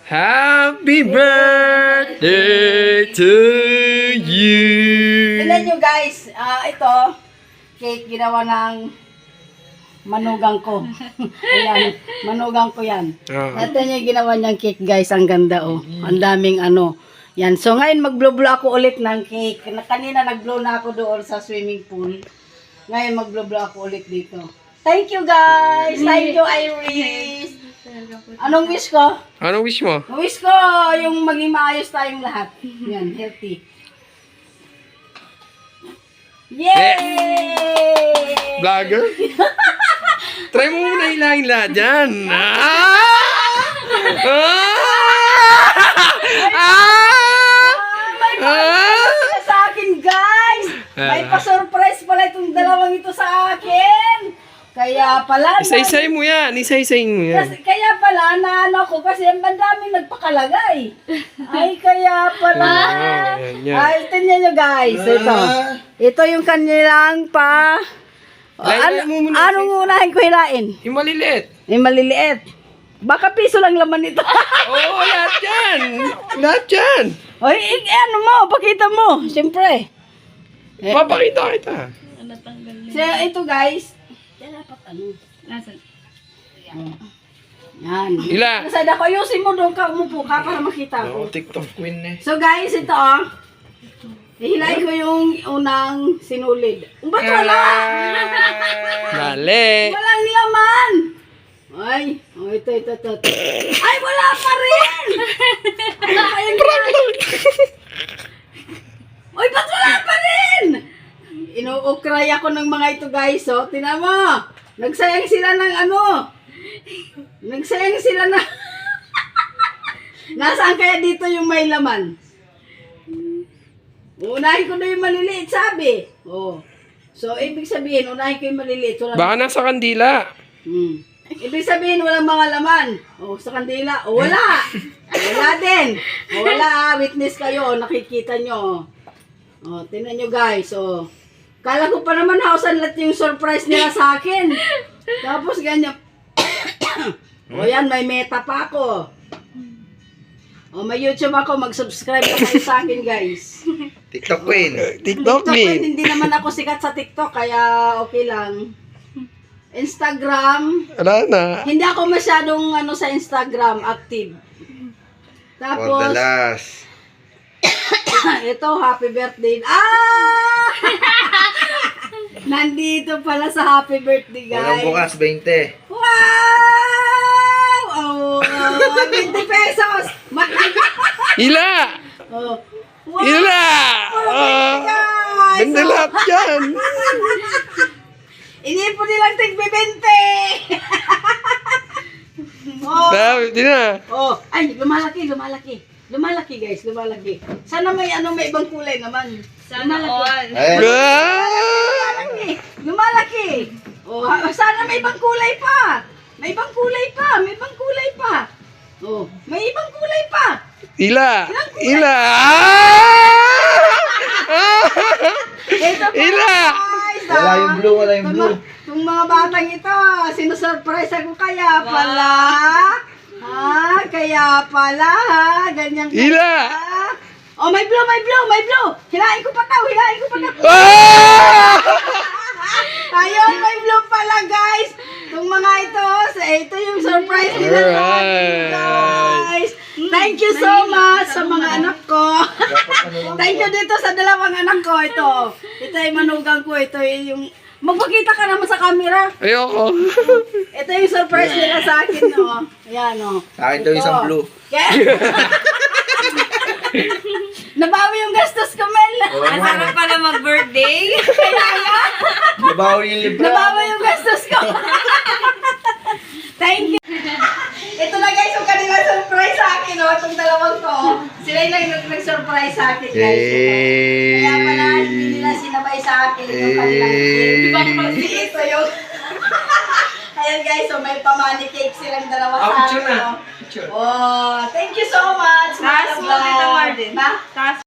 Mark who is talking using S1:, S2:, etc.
S1: Happy birthday to you.
S2: Tignan nyo guys, ito, cake ginawa ng manugang ko. Ayan, manugang ko yan. Ito yung ginawa niyang cake guys, ang ganda oh. Ang daming ano. Yan, so ngayon mag-blow ako ulit ng cake. Kanina nag-blow na ako doon sa swimming pool. Ngayon mag-blow ako ulit dito. Thank you guys! Thank you Iris! Anong wish ko?
S1: Anong wish mo?
S2: Ang wish ko yung maging maayos tayong lahat. Yan, healthy. Yay!
S1: Vlogger? Try mo muna hilahin lahat dyan.
S2: May pa sa akin, guys! May pa-surprise pala itong dalawang ito sa akin! Kaya pala...
S1: Isa-isay mo yan. Isa-isay mo yan.
S2: Kaya pala, naano ko kasi ang daming nagpakalagay. Ay, kaya pala. Ay, tingnan nyo guys. Ito. Ito yung kanilang pa... Anong unahin ko hilain?
S1: Yung maliliit.
S2: Yung maliliit. Baka piso lang laman ito.
S1: Oo, lahat yan. Lahat yan.
S2: Oy, ano mo, pakita mo. Siyempre.
S1: Papakita kita.
S2: So, ito guys. Dapat ano. Nasaan? Yan.
S1: Ila.
S2: Nasaan ako, ayusin mo doon ka, umupo ka para makita ko.
S1: TikTok queen eh.
S2: So guys, ito oh. Ihilahin ko yung unang sinulid. Ba't wala?
S1: Mali.
S2: Walang laman. Ay, oh, ito. Ay, wala pa rin! Uy, ba't wala pa rin? Inuukray ako ng mga ito guys, oh. Tingnan mo. Nagsayang sila ng ano. Nagsayang sila na. Nasaan kaya dito yung may laman? Unahin ko na yung maliliit, sabi. Oh. So, ibig sabihin, unahin ko yung maliliit.
S1: Baka nasa kandila.
S2: Ibig sabihin, walang mga laman. Oh, sa kandila. Oh, wala. Wala din. Oh, wala. Witness kayo. Nakikita nyo. Oh, tingnan nyo guys. Oh. Kala ko pa naman hausan lahat yung surprise nila sa akin. Tapos ganyan. O yan, may meta pa ako. O may YouTube ako, mag-subscribe na kayo sa akin guys.
S3: TikTok queen.
S1: TikTok queen.
S2: Hindi naman ako sikat sa TikTok, kaya okay lang. Instagram.
S1: Wala na.
S2: Hindi ako masyadong ano sa Instagram, active.
S3: For the
S2: Tapos,
S3: last.
S2: ito, happy birthday. Nandito pala sa happy birthday,
S3: Walang
S2: guys.
S3: bukas, 20.
S2: Wow! Oh, 20 pesos.
S1: Ila!
S2: Oh. Wow!
S1: Ila!
S2: Guys!
S1: Ganda lahat yan.
S2: Inipon nilang tig-20. Oh.
S1: Di na.
S2: Oh, ay, lumalaki. Lumalaki guys, lumalaki. Sana may may ibang kulay naman. Sana all. Lumalaki. Oh, sana may ibang kulay pa. May ibang kulay pa. Oh, may ibang kulay pa.
S1: Ila! Ila!
S2: Ito pa,
S1: Ila!
S2: guys.
S3: Wala yung blue, wala yung blue.
S2: Itong mga batang ito, sinusurprise ako kaya pala. Kaya pala, ganyan ka.
S1: Ila!
S2: Oh, may blue. Hilahin ko pa daw. Ayun, may blue pala, guys. Itong mga ito yung surprise nila sa akin, guys. Thank you so much sa mga anak ko. Thank you dito sa dalawang anak ko. Ito ay manugang ko. Ito yung... Magpakita ka naman sa camera.
S1: Ayoko.
S2: Ito yung surprise nila sa akin, no? Ayan, no?
S3: Sa akin daw isang blue.
S2: Nabawi yung gastos ko, Mel.
S4: Masarap pala mag-birthday.
S3: Nabawi yung libra.
S2: Nabawi yung gastos ko. Thank you. Ito na guys, yung kanila surprise sa akin, no? Itong dalawang to. Sila yung nag-surprise sa akin, guys. Kaya pala, hindi nila sinabay sa akin yung kanilang cake. Ito yung... Ayan guys, so may pamani cake silang dalawa sa akin, no? Oh, thank you so much.
S4: Taas mo, Tita Martin.
S2: Ha?
S4: Taas